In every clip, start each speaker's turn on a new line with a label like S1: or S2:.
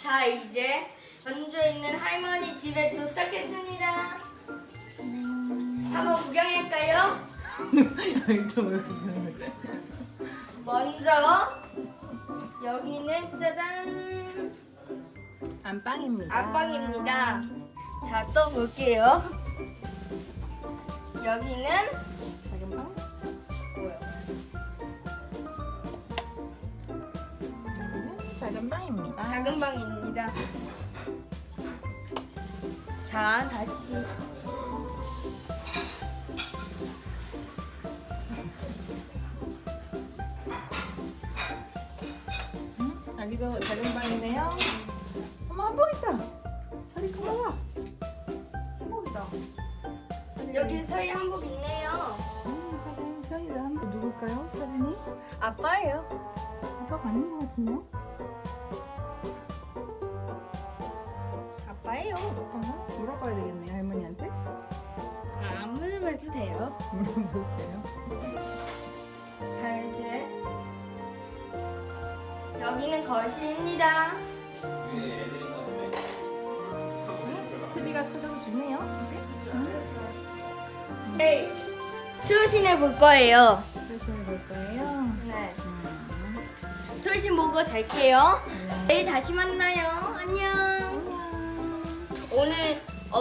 S1: 자, 이제 전주에 있는 할머니 집에 도착했습니다. 한번 구경할까요? 먼저 여기는 짜잔
S2: 안방입니다.
S1: 안방입니다. 자, 또 볼게요. 여기는
S2: 작은 방.
S1: 뭐야?
S2: 여기는 작은 방입니다.
S1: 작은 방입니다. 자, 다시
S2: 여기도 작은 방이네요. 어머, 한복 있다. 서리 커봐.
S1: 한복이다. 여기 서희 한복 있네요.
S2: 사진 서희도 한복 누굴까요? 사진이?
S1: 아빠예요.
S2: 아빠가 아닌 것 같은데?
S1: 아빠예요.
S2: 잠깐만 물어봐야 되겠네요, 할머니한테.
S1: 아무나 해도 돼요.
S2: 물어보세요.
S1: 자, 이제 여기는 거실입니다.
S2: TV가 커져서 좋네요.
S1: 네, 초신을 볼 거예요.
S2: 사진을 볼 거예요.
S1: 네.
S2: 음.
S1: 초신 보고 잘게요.
S2: 네.
S1: 내일 다시 만나요. 안녕.
S2: 안녕.
S1: 오늘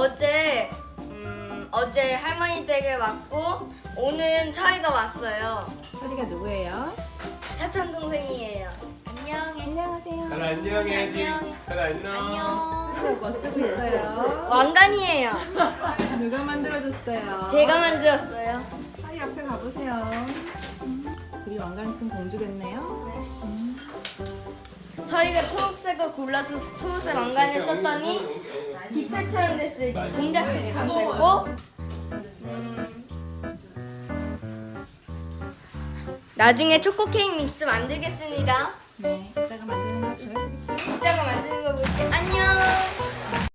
S1: 어제 할머니 댁에 왔고 오늘 저희가 왔어요.
S2: 서리가 누구예요?
S1: 사촌 동생이에요.
S2: 안녕하세요.
S3: 잘 안녕해야지. 잘 안녕.
S2: 서리가 뭐 쓰고 있어요?
S1: 왕관이에요.
S2: 누가 만들어줬어요?
S1: 제가 만들었어요.
S2: 서리 앞에 가보세요. 둘이 왕관 쓴 공주 됐네요.
S1: 저희가 초록색을 골라서 초록색 왕관을 썼더니 깃털처럼 됐을 때 공작색처럼 됐고 나중에 초코 케이크 믹스 만들겠습니다.
S2: 네, 이따가 만드는 거 보여드릴게요.